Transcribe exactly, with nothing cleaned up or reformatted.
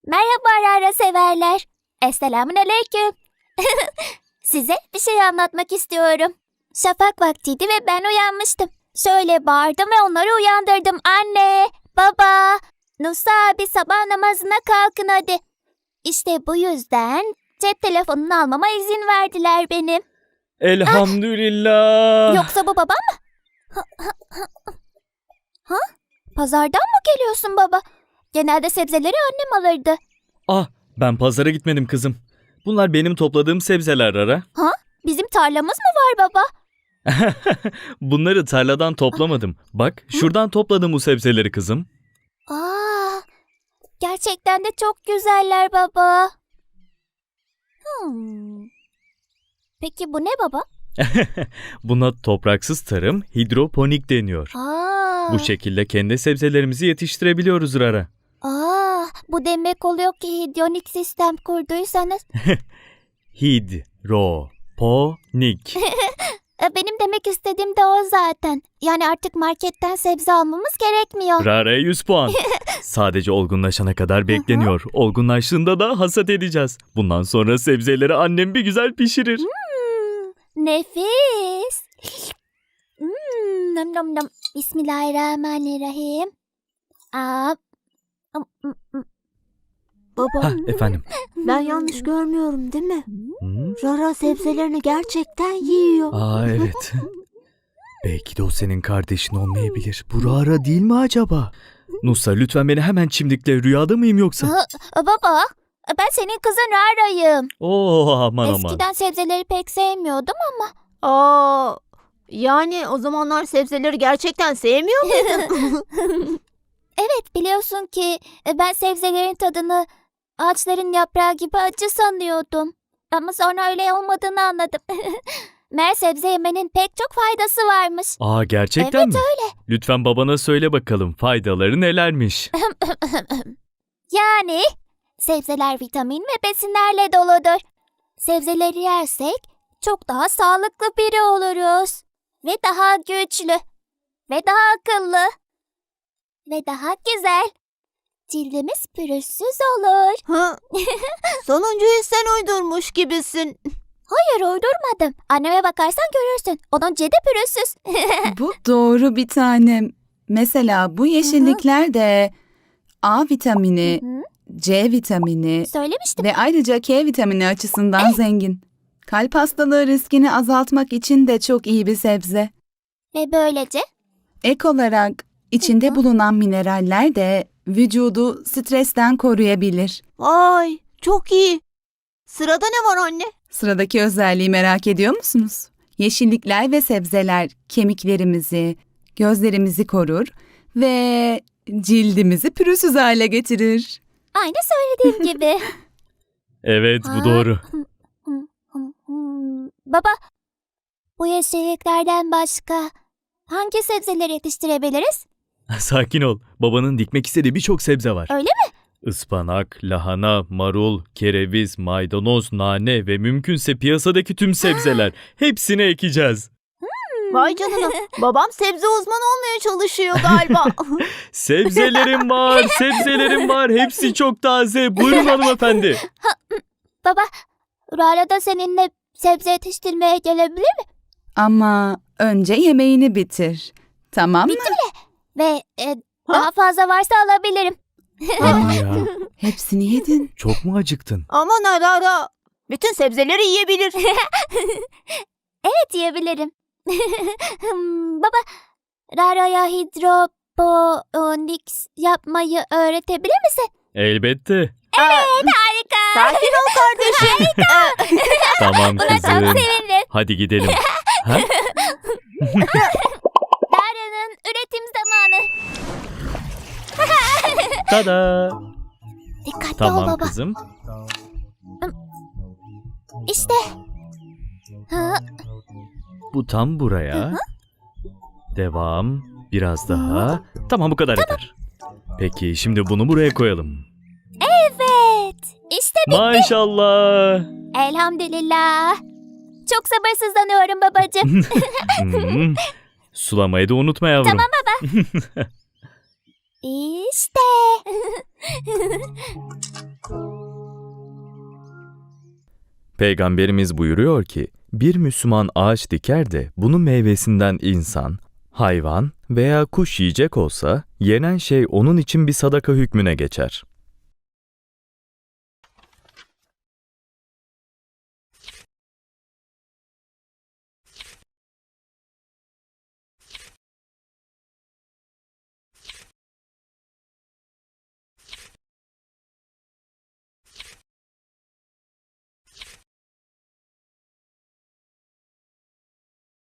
Merhaba Rara severler. Esselamun aleyküm. Size bir şey anlatmak istiyorum. Şafak vaktiydi ve ben uyanmıştım. Şöyle bağırdım ve onları uyandırdım. Anne, baba, Nusa abi sabah namazına kalkın hadi. İşte bu yüzden cep telefonunu almama izin verdiler benim. Elhamdülillah. Yoksa bu babam mı? Ha? Pazardan mı geliyorsun baba? Genelde sebzeleri annem alırdı. Ah, ben pazara gitmedim kızım. Bunlar benim topladığım sebzeler Rara. Ha? Bizim tarlamız mı var baba? Bunları tarladan toplamadım. Bak, şuradan topladım bu sebzeleri kızım. Aa, gerçekten de çok güzeller baba. Hmm. Peki bu ne baba? Buna topraksız tarım, hidroponik deniyor. Aa, Bu şekilde kendi sebzelerimizi yetiştirebiliyoruz Rara. aa, bu demek oluyor ki hidronik sistem kurduysanız. Hidroponik. E, Benim demek istediğim de o zaten. Yani artık marketten sebze almamız gerekmiyor. Rara'ya yüz puan. Sadece olgunlaşana kadar bekleniyor. Olgunlaştığında da hasat edeceğiz. Bundan sonra sebzeleri annem bir güzel pişirir. Hmm, nefis. Hmm, nom nom nom. Bismillahirrahmanirrahim. Aa, ım, ım, ım. Baba, Hah, efendim. ben yanlış görmüyorum değil mi? Hı? Rara sebzelerini gerçekten yiyor. Aa evet. Belki de o senin kardeşin olmayabilir. Bu Rara değil mi acaba? Nusa lütfen beni hemen çimdikle, rüyada mıyım yoksa? Aa, baba, ben senin kızın Rara'yım. Oo aman aman. Eskiden sebzeleri pek sevmiyordum ama. Aa, yani o zamanlar sebzeleri gerçekten sevmiyor muydun? Evet, biliyorsun ki e, ben sebzelerin tadını ağaçların yaprağı gibi acı sanıyordum. Ama sonra öyle olmadığını anladım. Meğer sebze yemenin pek çok faydası varmış. Aa gerçekten Evet, mi? öyle. Lütfen babana söyle bakalım faydaları nelermiş? Yani sebzeler vitamin ve besinlerle doludur. Sebzeleri yersek çok daha sağlıklı biri oluruz. Ve daha güçlü. Ve daha akıllı. Ve daha güzel. Cildimiz pürüzsüz olur. Ha, sonuncuyu sen uydurmuş gibisin. Hayır, uydurmadım. Anneme bakarsan görürsün. Onun cildi pürüzsüz. Bu doğru bir tanem. Mesela bu yeşillikler de A vitamini, Hı, C vitamini söylemiştim. ve ayrıca K vitamini açısından zengin. Kalp hastalığı riskini azaltmak için de çok iyi bir sebze. Ve böylece Ek olarak içinde bulunan mineraller de vücudu stresten koruyabilir. Vay, çok iyi. Sırada ne var anne? Sıradaki özelliği merak ediyor musunuz? Yeşillikler ve sebzeler kemiklerimizi, gözlerimizi korur ve cildimizi pürüzsüz hale getirir. aynı söylediğim gibi. Evet Ha? bu doğru. Hım, hım, hım. Baba, bu yeşilliklerden başka hangi sebzeleri yetiştirebiliriz? Sakin ol. Babanın dikmek istediği birçok sebze var. Öyle mi? Ispanak, lahana, marul, kereviz, maydanoz, nane ve mümkünse piyasadaki tüm sebzeler. Hepsini ekeceğiz. Vay canına, babam sebze uzmanı olmaya çalışıyor galiba. Sebzelerim var, sebzelerim var. Hepsi çok taze. Buyurun hanımefendi. Baba, Rara da seninle sebze yetiştirmeye gelebilir mi? Ama önce yemeğini bitir. Tamam mı? Ve e, daha fazla varsa alabilirim. Hadi ya. Hepsini yedin. Çok mu acıktın? Aman Rara, bütün sebzeleri yiyebilir. Evet, yiyebilirim. Hmm, Baba, Rara'ya hidroponiks yapmayı öğretebilir misin? Elbette. Evet, Harika. sakin ol kardeşim. Tamam Buna çok kızım. sevindim. Hadi gidelim. Ha? Rara'nın üretim zamanı. Tada. Dikkatli ol Tamam baba. kızım. İşte. Ha, Bu tam buraya. Devam. Biraz daha. Tamam bu kadar yeter. Peki şimdi bunu buraya koyalım. evet. İşte bitti. Maşallah. Elhamdülillah. Çok sabırsızlanıyorum babacığım. Hmm. Sulamayı da unutma yavrum. Tamam baba. İşte. Peygamberimiz buyuruyor ki, bir Müslüman ağaç diker de bunun meyvesinden insan, hayvan veya kuş yiyecek olsa, yenen şey onun için bir sadaka hükmüne geçer.